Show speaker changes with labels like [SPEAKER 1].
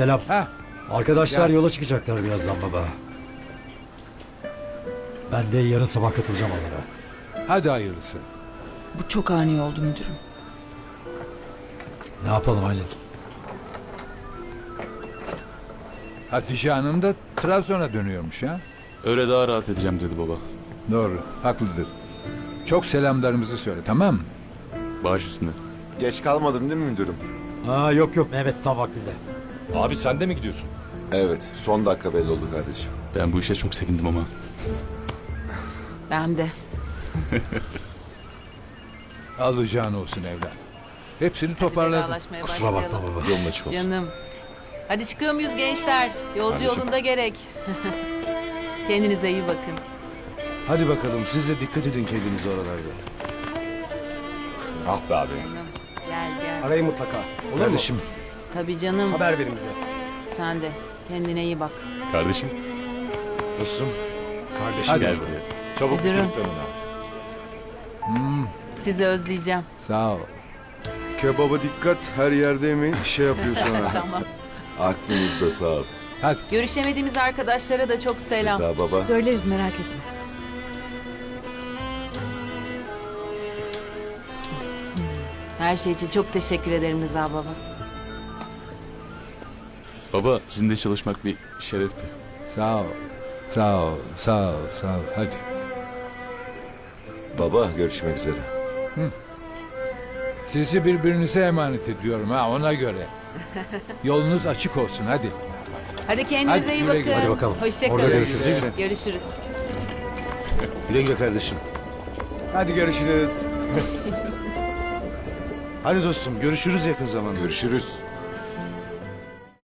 [SPEAKER 1] selam.
[SPEAKER 2] Ha,
[SPEAKER 1] Arkadaşlar
[SPEAKER 2] Ya.
[SPEAKER 1] yola çıkacaklar birazdan baba. Ben de yarın sabah katılacağım onlara.
[SPEAKER 2] hadi hayırlısı.
[SPEAKER 3] Bu çok ani oldu müdürüm.
[SPEAKER 1] Ne yapalım Aylin?
[SPEAKER 2] Hatice Hanım da Trabzon'a dönüyormuş ha.
[SPEAKER 4] Öyle daha rahat edeceğim dedi baba.
[SPEAKER 2] Doğru, haklıdır. Çok selamlarımızı söyle, tamam mı?
[SPEAKER 4] Baş üstüne.
[SPEAKER 5] Geç kalmadım değil mi müdürüm?
[SPEAKER 1] Aa, yok Mehmet tam vaktinde.
[SPEAKER 6] Abi sen de mi gidiyorsun?
[SPEAKER 5] Evet, son dakika belli oldu kardeşim.
[SPEAKER 4] Ben bu işe çok sevindim ama.
[SPEAKER 3] Ben de.
[SPEAKER 2] Alacağın olsun evlat. Hepsini toparladın.
[SPEAKER 7] Vedalaşmaya
[SPEAKER 1] Kusura bakma
[SPEAKER 7] başlayalım.
[SPEAKER 1] baba.
[SPEAKER 6] Yolun açık olsun.
[SPEAKER 7] Canım. Hadi çıkıyor muyuz gençler? Yolcu
[SPEAKER 4] Kardeşim.
[SPEAKER 7] yolunda gerek. Kendinize iyi bakın.
[SPEAKER 8] Hadi bakalım siz de dikkat edin kendinize oralarda.
[SPEAKER 6] Ah be abi.
[SPEAKER 7] Canım. Gel gel.
[SPEAKER 1] Arayın mutlaka. Olur
[SPEAKER 8] Kardeşim
[SPEAKER 7] Tabii canım.
[SPEAKER 1] Haber verin bize.
[SPEAKER 7] Sen de. Kendine iyi bak.
[SPEAKER 4] Kardeşim
[SPEAKER 8] dostum.
[SPEAKER 1] Kardeşim.
[SPEAKER 2] Hadi.
[SPEAKER 4] gel buraya.
[SPEAKER 6] Çabuk
[SPEAKER 7] Müdürüm.
[SPEAKER 6] bitirip dönün abi.
[SPEAKER 7] Sizi özleyeceğim.
[SPEAKER 2] Sağ ol.
[SPEAKER 8] Kebaba dikkat her yerde mi şey yapıyor sonra.
[SPEAKER 7] Tamam.
[SPEAKER 5] Aklınızda sağ ol.
[SPEAKER 2] Hadi.
[SPEAKER 7] Görüşemediğimiz arkadaşlara da çok selam.
[SPEAKER 5] Rıza baba.
[SPEAKER 3] Söyleriz merak etme.
[SPEAKER 7] Her şey için çok teşekkür ederim Rıza baba.
[SPEAKER 4] Baba sizinle çalışmak bir şerefti.
[SPEAKER 2] Sağ ol. Sağ ol. Sağ ol. Sağ ol. Hadi.
[SPEAKER 5] Baba, görüşmek üzere.
[SPEAKER 2] Sizi birbirinize emanet ediyorum ha ona göre. Yolunuz açık olsun hadi.
[SPEAKER 7] Hadi kendinize
[SPEAKER 2] Hadi,
[SPEAKER 7] iyi
[SPEAKER 2] güle
[SPEAKER 7] bakın.
[SPEAKER 2] güle.
[SPEAKER 1] Hadi bakalım.
[SPEAKER 7] Hoşça
[SPEAKER 1] Orada
[SPEAKER 7] kalın.
[SPEAKER 1] görüşürüz.
[SPEAKER 7] Görüşürüz.
[SPEAKER 8] Güle güle kardeşim.
[SPEAKER 1] Hadi görüşürüz.
[SPEAKER 8] Hadi dostum görüşürüz yakın zamanda.
[SPEAKER 5] Görüşürüz.